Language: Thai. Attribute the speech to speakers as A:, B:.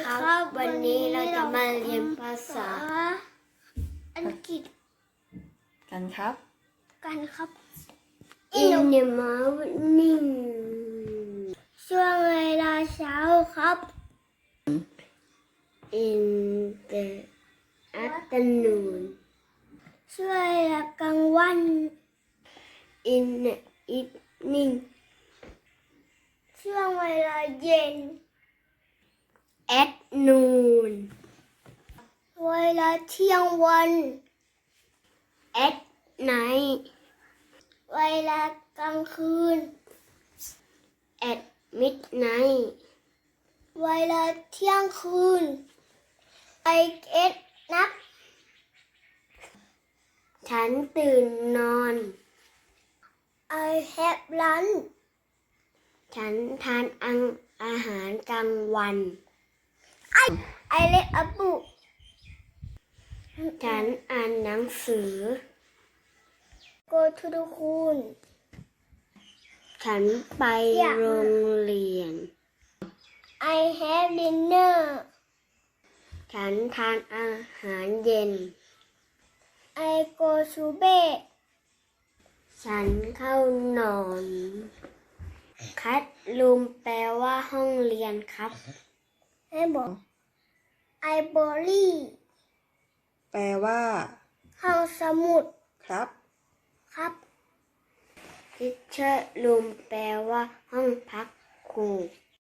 A: ครับ วันนี้เราจะมาเรียนภาษาอังกฤษ
B: กันครับ
A: กันครับ In the morning ช่วงเวลาเช้าครับ In the afternoon ช่วงเวลากลางวัน In the evening ช่วงเวลาเย็น At noon เวลาเที่ยงวัน At night เวลากลางคืน At midnight เวลาเที่ยงคืน I get up ฉันตื่นนอน I have lunch ฉันทานอาหารกลางวัน I read a book ฉันอ่านหนังสือ Go to the school ฉันไปโรงเรียน I have dinner ฉันทานอาหารเย็น I go to bed ฉันเข้านอนคัทรูมแปลว่าห้องเรียนครับให้บอกLibrary
B: แปลว่า
A: ห้องสมุด
B: ครับ
A: ครับ Teacher room แปลว่าห้องพักครู